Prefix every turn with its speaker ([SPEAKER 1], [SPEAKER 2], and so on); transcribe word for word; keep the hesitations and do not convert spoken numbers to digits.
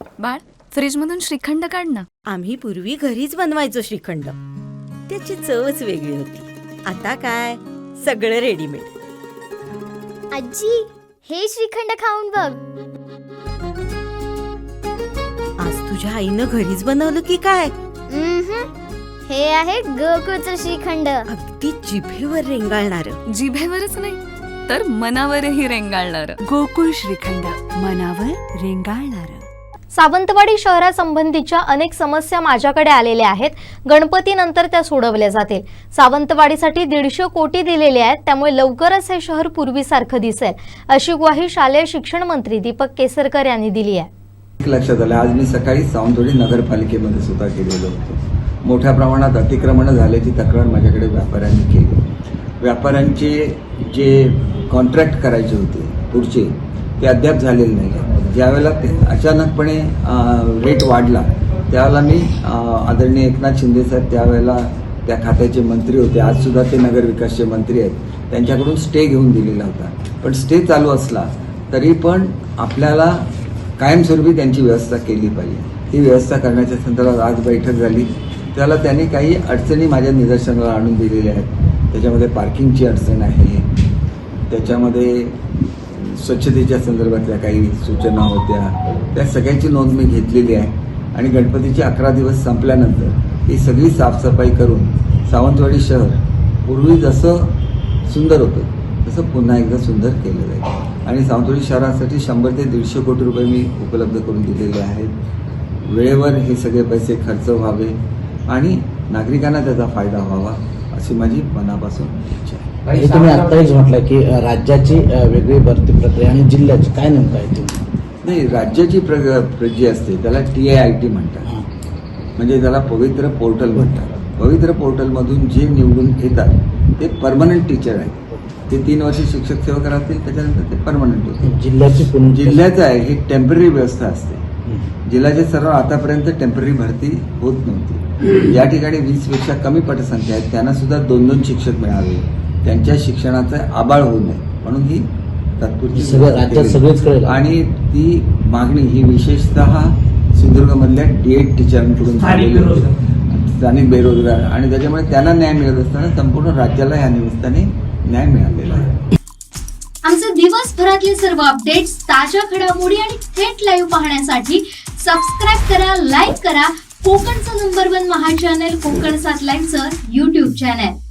[SPEAKER 1] बाळ, फ्रीजमधून श्रीखंड काढ ना.
[SPEAKER 2] आम्ही पूर्वी घरीच बनवायचो श्रीखंड. त्याची चवच वेगळी होती. आता काय सगळं रेडीमेड.
[SPEAKER 3] आजी, हे श्रीखंड खाऊन बघ.
[SPEAKER 2] आज तुझ्या आईनं घरीच बनवलं की काय?
[SPEAKER 3] उम्हम. हे आहे गोकुळचं श्रीखंड.
[SPEAKER 2] अगदी जिभेवर रेंगाळणार.
[SPEAKER 1] जिभेवरच नाही तर मनावरही रेंगाळणार.
[SPEAKER 4] गोकुळ श्रीखंड, मनावर रेंगाळणार.
[SPEAKER 5] सावंतवाडी शहरासंबंधीच्या अनेक समस्या माझ्याकडे आलेल्या आहेत. गणपतीनंतर त्या सोडवल्या जातील. सावंतवाडीसाठी दीडशे कोटी दिलेले आहेत, त्यामुळे लवकरच हे शहर पूर्वीसारखं दिसेल, अशी ग्वाही शालेय शिक्षण मंत्री दीपक केसरकर यांनी दिली आहे.
[SPEAKER 6] लक्षात आलं, आज मी सकाळी सावंतवाडी नगरपालिकेमध्ये सुद्धा गेलेलो होतो. मोठ्या प्रमाणात अतिक्रमण झाल्याची तक्रार माझ्याकडे व्यापाऱ्यांनी केली. व्यापाऱ्यांचे जे कॉन्ट्रॅक्ट करायचे होते पुढचे, ते अद्याप झालेले नाही. ज्यावेळेला अचानकपणे रेट वाढला त्यावेळेला मी आदरणीय एकनाथ शिंदे साहेब त्यावेळेला त्या खात्याचे मंत्री होते, आज सुद्धा ते नगरविकासचे मंत्री आहेत, त्यांच्याकडून स्टे घेऊन दिलेला होता. पण स्टे चालू असला तरी पण आपल्याला कायमस्वरूपी त्यांची व्यवस्था केली पाहिजे. ती व्यवस्था करण्याच्या संदर्भात आज बैठक झाली. त्याला त्यांनी काही अडचणी माझ्या निदर्शनाला आणून दिलेल्या आहेत. त्याच्यामध्ये पार्किंगची अडचण आहे, त्याच्यामध्ये स्वच्छतेच्या संदर्भातल्या काही सूचना होत्या, त्या सगळ्यांची नोंद मी घेतलेली आहे. आणि गणपतीचे अकरा दिवस संपल्यानंतर ही सगळी साफसफाई करून सावंतवाडी शहर पूर्वी जसं सुंदर होतं तसं पुन्हा एकदा सुंदर केलं जाईल. आणि सावंतवाडी शहरासाठी शंभर ते दीडशे कोटी रुपये मी उपलब्ध करून दिलेले आहेत. वेळेवर हे सगळे पैसे खर्च व्हावे आणि नागरिकांना त्याचा फायदा व्हावा अशी माझी मनापासून इच्छा आहे.
[SPEAKER 7] हे तुम्ही आत्ताच म्हटलं की राज्याची वेगळी भरती प्रक्रिया आणि जिल्ह्याची काय नेमकं आहे ते?
[SPEAKER 6] नाही, राज्याची प्र जी असते त्याला टी ए आय टी म्हणतात, म्हणजे त्याला पवित्र पोर्टल म्हणतात. पवित्र पोर्टलमधून जे निवडून येतात ते परमनंट टीचर आहेत. ते तीन वर्ष शिक्षक सेवक राहतील, त्याच्यानंतर ते परमनंट होते.
[SPEAKER 7] जिल्ह्याची
[SPEAKER 6] जिल्ह्याचं आहे ही टेम्पररी व्यवस्था असते. जिल्ह्याचे सर्व आतापर्यंत टेम्पररी भरती होत नव्हती. या ठिकाणी वीस पेक्षा कमी पटसंख्या आहेत, त्यांना सुद्धा दोन दोन शिक्षक मिळावे, त्यांच्या शिक्षणाचं आबाळ होऊ नये म्हणून ही तात्पुरती
[SPEAKER 7] राज्यात सगळेच कळेल. आणि
[SPEAKER 6] ती मागणी ही विशेषतः सिंधुदुर्गमधल्या डी एड टीचरांकडून झालेली होती, स्थानिक बेरोजगार, आणि त्याच्यामुळे त्यांना न्याय मिळत असताना संपूर्ण राज्याला या निमित्ताने न्याय मिळालेला आहे.
[SPEAKER 8] आमचे दिवसभरातले सर्व अपडेट्स, ताज्या घडामोडी आणि थेट लाईव्ह पाहण्यासाठी सबस्क्राईब करा, लाईक करा कोकणचं number one Maha channel Kokan सात लाईव्हचं युट्यूब चॅनल.